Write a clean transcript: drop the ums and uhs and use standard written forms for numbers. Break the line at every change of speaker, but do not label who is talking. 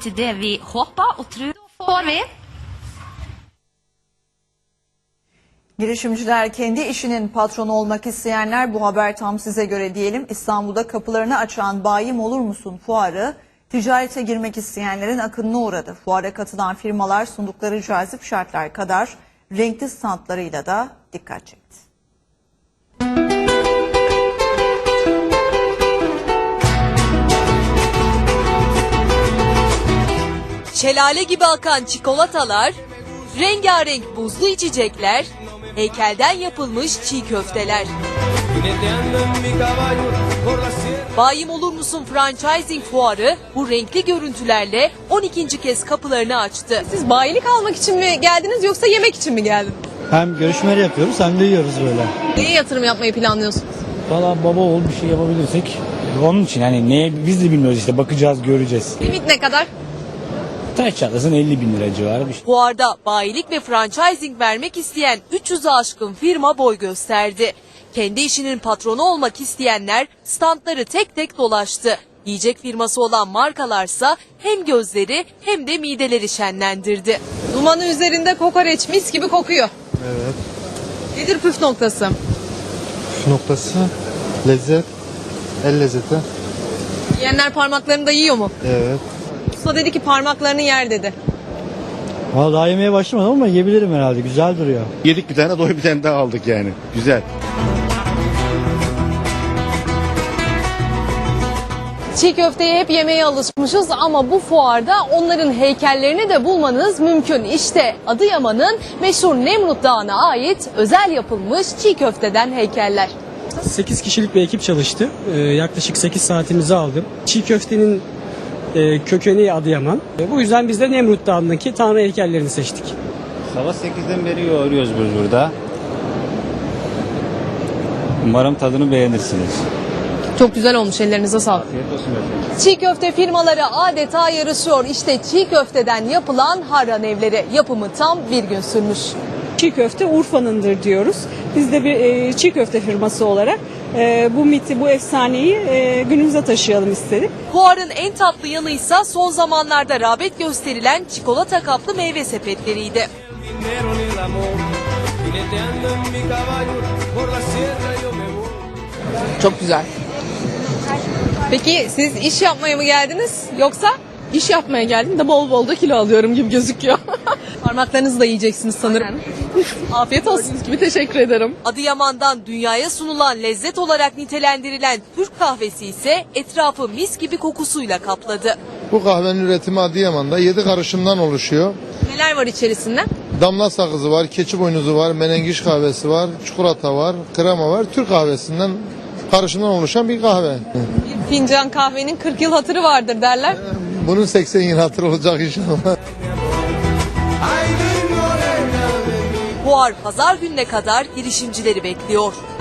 till det vi hoppas och tror får vi.
Girişimciler, kendi işinin patronu olmak isteyenler, bu haber tam size göre diyelim. İstanbul'da kapılarını açan Bayim Olur Musun fuarı ticarete girmek isteyenlerin akınına uğradı. Fuara katılan firmalar sundukları cazip şartlar kadar renkli standlarıyla da dikkat çekti.
Şelale gibi akan çikolatalar, rengarenk buzlu içecekler, heykelden yapılmış çiğ köfteler. Bayim Olur Musun Franchising Fuarı bu renkli görüntülerle 12. kez kapılarını açtı.
Siz bayilik almak için mi geldiniz yoksa yemek için mi geldiniz?
Hem görüşmeler yapıyoruz hem de yiyoruz böyle.
Neye yatırım yapmayı planlıyorsunuz?
Valla baba oğul bir şey yapabilirsek onun için hani neye biz de bilmiyoruz işte bakacağız göreceğiz.
Limit ne kadar?
Taş çatlasın 50 bin lira civarı bir şey.
Fuarda bayilik ve franchising vermek isteyen 300'ü aşkın firma boy gösterdi. Kendi işinin patronu olmak isteyenler standları tek tek dolaştı. Yiyecek firması olan markalarsa hem gözleri hem de mideleri şenlendirdi.
Dumanı üzerinde kokoreç mis gibi kokuyor.
Evet.
Nedir püf noktası?
Şu noktası lezzet, el lezzeti.
Yiyenler parmaklarını da yiyor mu?
Evet.
Usta dedi ki parmaklarını yer dedi.
Valla daha yemeye başlamadım ama yiyebilirim herhalde, güzel duruyor.
Yedik bir tane, doy bir tane daha aldık yani. Güzel.
Çiğ köfteye hep yemeye alışmışız ama bu fuarda onların heykellerini de bulmanız mümkün. İşte Adıyaman'ın meşhur Nemrut Dağı'na ait özel yapılmış çiğ köfteden heykeller.
8 kişilik bir ekip çalıştı. Yaklaşık 8 saatimizi aldım. Çiğ köftenin kökeni Adıyaman. Bu yüzden biz de Nemrut Dağı'ndaki tanrı heykellerini seçtik.
Sabah 8'den beri yoğuruyoruz biz burada. Umarım tadını beğenirsiniz.
Çok güzel olmuş, ellerinize sağlık.
Afiyet olsun efendim.
Çiğ köfte firmaları adeta yarışıyor. İşte çiğ köfteden yapılan harran evleri. Yapımı tam bir gün sürmüş.
Çiğ köfte Urfa'nındır diyoruz. Biz de bir çiğ köfte firması olarak bu miti, bu efsaneyi günümüze taşıyalım istedik.
Fuarın en tatlı yanıysa son zamanlarda rağbet gösterilen çikolata kaplı meyve sepetleriydi.
Çok güzel. Peki siz iş yapmaya mı geldiniz yoksa?
İş yapmaya geldim de bol bol da kilo alıyorum gibi gözüküyor.
Parmaklarınızı da yiyeceksiniz sanırım. Afiyet olsun.
Gibi teşekkür ederim.
Adıyaman'dan dünyaya sunulan lezzet olarak nitelendirilen Türk kahvesi ise etrafı mis gibi kokusuyla kapladı.
Bu kahvenin üretimi Adıyaman'da 7 karışımdan oluşuyor.
Neler var içerisinde?
Damla sakızı var, keçi boynuzu var, menengiş kahvesi var, çikolata var, krema var. Türk kahvesinden karışımdan oluşan bir kahve.
Bir fincan kahvenin 40 yıl hatırı vardır derler.
Bunun 80 yıl hatırı olacak inşallah.
Fuar pazar gününe kadar girişimcileri bekliyor.